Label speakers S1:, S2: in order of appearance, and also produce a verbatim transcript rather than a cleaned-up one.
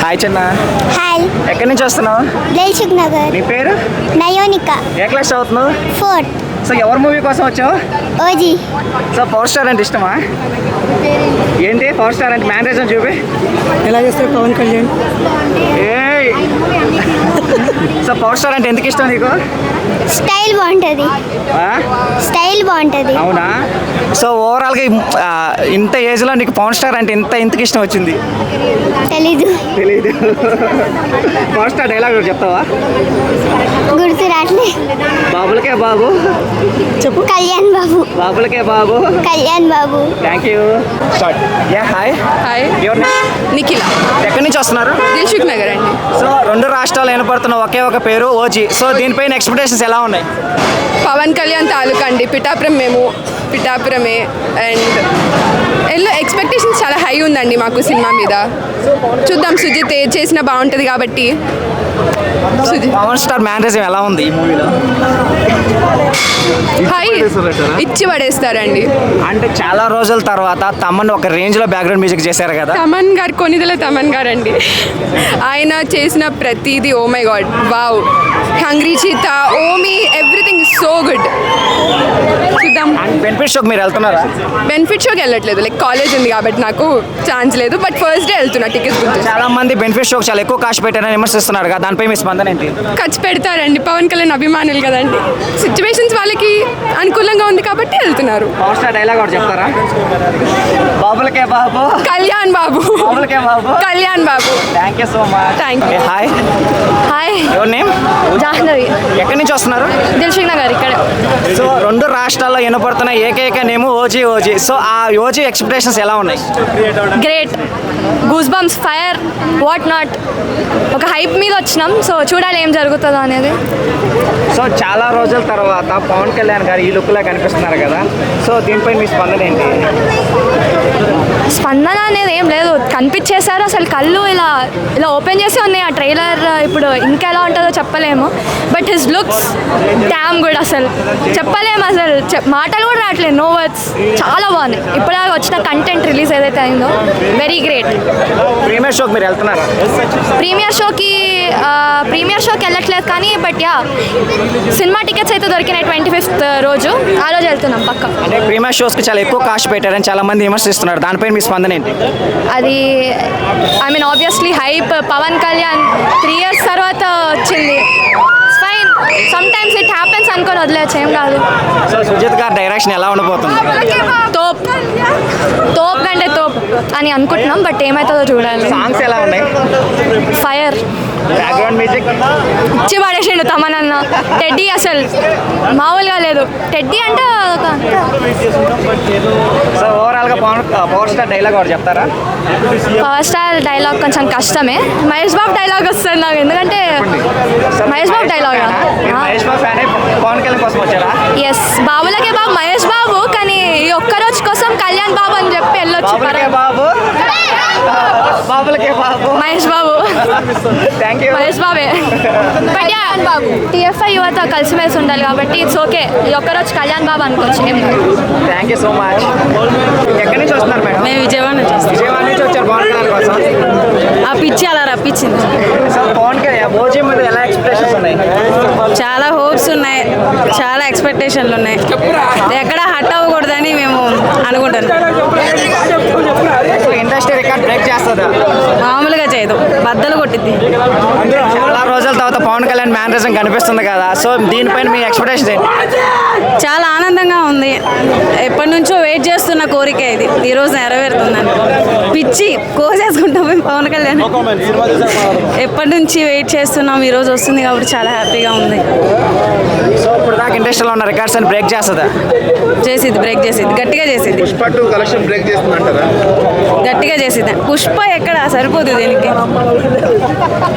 S1: Hi చిన్న.
S2: Hi.
S1: ఎక్కడి నుంచి వస్తున్నావు?
S2: దిల్సుఖ్ నగర్.
S1: నీ పేరు?
S2: నయోనిక.
S1: ఏ క్లాస్ చదువుతున్నావు?
S2: ఫోర్త్.
S1: సో ఎవరి మూవీ కోసం వచ్చావు?
S2: ఓజీ.
S1: సో పవర్ స్టార్ అంటే ఇష్టమా? ఏంటి పవర్ స్టార్ అంటే మేనరిజం చూపి
S3: ఎలా చేస్తారు పవన్ కళ్యాణ్?
S1: ఏయ్ సో పవర్ స్టార్ అంటే ఎందుకు ఇష్టం నీకు?
S2: స్టైల్ బాగుంటుంది.
S1: ఆ?
S2: స్టైల్ బాగుంటుంది.
S1: అవునా? సో ఓవరాల్గా ఆ, ఇంత ఏజ్లో నీకు పవర్ స్టార్ అంటే ఇంత ఎందుకు ఇష్టం వచ్చింది?
S2: తెలీదు.
S1: తెలీదు. పవర్ స్టార్ డైలాగ్ చెప్తావా?
S2: గుర్తు రాట్లే.
S1: బాబులకే బాబు
S2: చెప్పు. కళ్యాణ్ బాబు.
S1: బాబులకే బాబు.
S2: Kalyan Babu.
S1: Thank you. Start. Yeah hi.
S4: Hi,
S1: ఎవరు?
S4: నిఖిల,
S1: ఎక్కడి నుంచి వస్తున్నారు?
S4: దిల్సుఖ్ నగర్ అండి.
S1: సో రెండు రాష్ట్రాలు వినపడుతున్న ఒకే ఒక పేరు ఓజీ. సో దీనిపైన ఎక్స్పెక్టేషన్స్ ఎలా ఉన్నాయి?
S4: పవన్ కళ్యాణ్ తాలూకా అండి, పిఠాపురం మేము పిఠాపురమే. అండ్ ఎల్లో ఎక్స్పెక్టేషన్స్ చాలా హై ఉందండి మాకు సినిమా మీద. చూద్దాం, సుజిత్ ఏది చేసినా బాగుంటుంది కాబట్టి. సుజిత్
S1: పవన్ స్టార్ మేనరిజం ఎలా ఉంది ఈ మూవీలో?
S4: హై ఇచ్చి పడేస్తారండి.
S1: అంటే చాలా రోజుల తర్వాత తమన్ ఒక రేంజ్ లో బ్యాక్గ్రౌండ్ మ్యూజిక్ చేశారు కదా.
S4: తమన్ గారు కొనిదల తమన్ గారు అండి. ఆయన చేసిన ప్రతిదీ oh my God, wow. Hungry cheetah, ఓమీ, ఎవ్రీథింగ్ ఇస్ సో గుడ్. చూద్దాం.
S1: అండ్ బెనిఫిట్ షోకి మీరు వెళ్తున్నారా?
S4: బెనిఫిట్ షోకి వెళ్ళట్లేదు, లైక్ కాలేజ్ ఉంది కాబట్టి నాకు ఛాన్స్ లేదు. బట్ ఫస్ట్ డే వెళ్తున్నా టికెట్స్ బుక్ చేసి.
S1: చాలా మంది బెనిఫిట్ షోకి చాలా ఎక్కువ కాస్ట్ పెట్టారని విమర్శిస్తున్నారు కదా, దానిపై మీ స్పందన ఏంటి?
S4: ఖర్చు పెడతారండి, పవన్ కళ్యాణ్ అభిమానులు కదండి. సిచ్యువేషన్స్ వాళ్ళకి అనుకూలంగా ఉంది కాబట్టి వెళ్తున్నారు.
S1: పవర్ స్టార్ డైలాగ్ ఒకటి చెప్తారా? బాబులకే బాబు.
S4: కళ్యాణ్ బాబు.
S1: బాబులకే బాబు.
S4: Kalyan Babu.
S1: Thank you so much.
S4: Thank you.
S1: Hi.
S5: Hi,
S1: your name?
S5: Jahnavi.
S1: ఎక్కడి నుంచి వస్తున్నారు?
S5: దిల్సుఖ్ నగర్ ఇక్కడ.
S1: సో రెండు రాష్ట్రాల్లో వినపడుతున్న ఏకైక నేమ్ ఓజీ ఓజీ. సో ఆ ఓజీ ఎక్స్పెక్టేషన్స్ ఎలా ఉన్నాయి?
S5: Great, goose bumps, fire, what not. ఒక హైప్ మీద వచ్చినాం, సో చూడాలి ఏం జరుగుతుందో అనేది.
S1: సో చాలా రోజుల తర్వాత పవన్ కళ్యాణ్ గారు ఈ లుక్లో కనిపిస్తున్నారు కదా, సో దీనిపై మీ స్పందన ఏంటి?
S5: స్పందన అనేది ఏం లేదు, కనిపించేశారు. అసలు కళ్ళు ఇలా ఇలా ఓపెన్ చేసి ఉన్నాయి. ఆ ట్రైలర్ ఇప్పుడు ఇంకా ఎలా ఉంటుందో చెప్పలేము. But his looks damn good. అసలు చెప్పలేము, అసలు చెప్ మాటలు కూడా రావట్లేదు, నో వర్డ్స్. చాలా బాగుంది. ఇప్పటిదాకా వచ్చిన కంటెంట్ రిలీజ్ ఏదైతే అయిందో వెరీ గ్రేట్.
S1: ప్రీమియర్ షోకి మీరు వెళ్తున్నారా?
S5: ప్రీమియర్ షోకి ప్రీమియర్ షోకి వెళ్ళట్లేదు కానీ బట్ యా సినిమా టికెట్స్ అయితే దొరికినాయి ట్వంటీ ఫిఫ్త్ రోజు. ఆ రోజు వెళ్తున్నాం పక్క.
S1: అంటే ప్రీమియర్ షోస్కి చాలా ఎక్కువ కాస్ట్ పెట్టారని చాలా మంది విమర్శిస్తున్నారు, దానిపై మీ స్పందన ఏంటి?
S5: అది I mean obviously hype. Pawan Kalyan three years తర్వాత వచ్చింది. Fine, sometimes it happens అనుకొని వదిలేచ్చు, ఏం కాదు.
S1: సో సుజిత్ గారి డైరెక్షన్ ఎలా ఉండబోతుంది?
S5: తోప్ తోప్ కంటే తోప్ అని అనుకుంటున్నాం, బట్ ఏమవుతుందో చూడాలి.
S1: సాంగ్స్ ఎలా ఉన్నాయి?
S5: ఫైర్.
S1: బ్యాక్గ్రౌండ్ మ్యూజిక్
S5: ఇచ్చి పడేసిండు తమనన్న. టెడ్డీ అసలు మామూలుగా లేదు. టెడ్డీ అంటే ఒక
S1: సో ఓవరాల్గా పవన్ పవర్ స్టార్ డైలాగ్ ఒకటి చెప్తారా?
S5: పవర్ స్టార్ డైలాగ్ కొంచెం కష్టమే. మహేష్ బాబు డైలాగ్ వస్తుంది నాకు, ఎందుకంటే మహేష్ బాబు డైలాగ్.
S1: మహేష్ బాబు ఫ్యాన్ పవన్ కళ్యాణ్ కోసం వచ్చారా?
S5: ఎస్, బాబులకే బాబు మహేష్ బాబు, కానీ ఈ ఒక్క రోజు కోసం కళ్యాణ్ బాబు అని చెప్పి వెళ్ళొచ్చు.
S1: బాబులకే బాబు. బాబులకే బాబు.
S5: మహేష్ బాబు.
S1: Thank you.
S5: మహేష్ బాబే. కళ్యాణ్ బాబు. టీఎఫ్ఐ యువత కలిసిమెలిసి ఉండాలి కాబట్టి ఇట్స్ ఓకే. ఈ ఒక్క రోజు కళ్యాణ్ బాబు అనుకోవచ్చు, ఏం కాదు.
S1: Thank you so much. ఎక్కడి నుంచి వస్తున్నారు మేడం?
S3: మేము విజయవాడ నుంచి వస్తాం.
S1: విజయవాడ నుంచి వచ్చారు పవన్ కళ్యాణ్ కోసం.
S3: ఆ పిచ్చి అలా రప్పించింది.
S1: సో పవన్ కళ్యాణ్ ఓజీ మీద ఎలా ఎక్స్పెక్టేషన్స్ ఉన్నాయి?
S3: చాలా హోప్స్ ఉన్నాయి, చాలా ఎక్స్పెక్టేషన్లు ఉన్నాయి. ఎక్కడ హట్ అవ్వకూడదని మేము అనుకుంటున్నాం.
S1: ఇండస్ట్రీ రికార్డ్ బ్రేక్ చేస్తుందా?
S3: మామూలుగా చేయదు, బద్దలు కొట్టిద్ది.
S1: చాలా రోజుల తర్వాత పవన్ కళ్యాణ్ మేనరిజం కనిపిస్తుంది కదా, సో దీనిపైన మీ ఎక్స్పెక్టేషన్ ఏంటి?
S3: చాలా ఆనందంగా ఉంది. ఎప్పటి నుంచో వెయిట్ చేస్తున్న కోరిక ఇది, ఈరోజు నెరవేరుతుందని. పిచ్చి కోసేసుకుంటాం మేము పవన్ కళ్యాణ్. ఎప్పటి నుంచి వెయిట్ చేస్తున్నాం, ఈరోజు వస్తుంది కాబట్టి చాలా హ్యాపీగా ఉంది.
S1: సో ఇప్పుడు దాకా ఇండస్ట్రీలో ఉన్న రికార్డ్స్ అని బ్రేక్ చేస్తుందా?
S3: చేసిద్ది, బ్రేక్ చేసిద్ది, గట్టిగా చేసిద్ది.
S6: పుష్ప టూ కలెక్షన్ బ్రేక్ చేస్తుందంటారా?
S3: గట్టిగా చేసిద్ది. పుష్ప ఎక్కడ సరిపోతుంది దీనికి.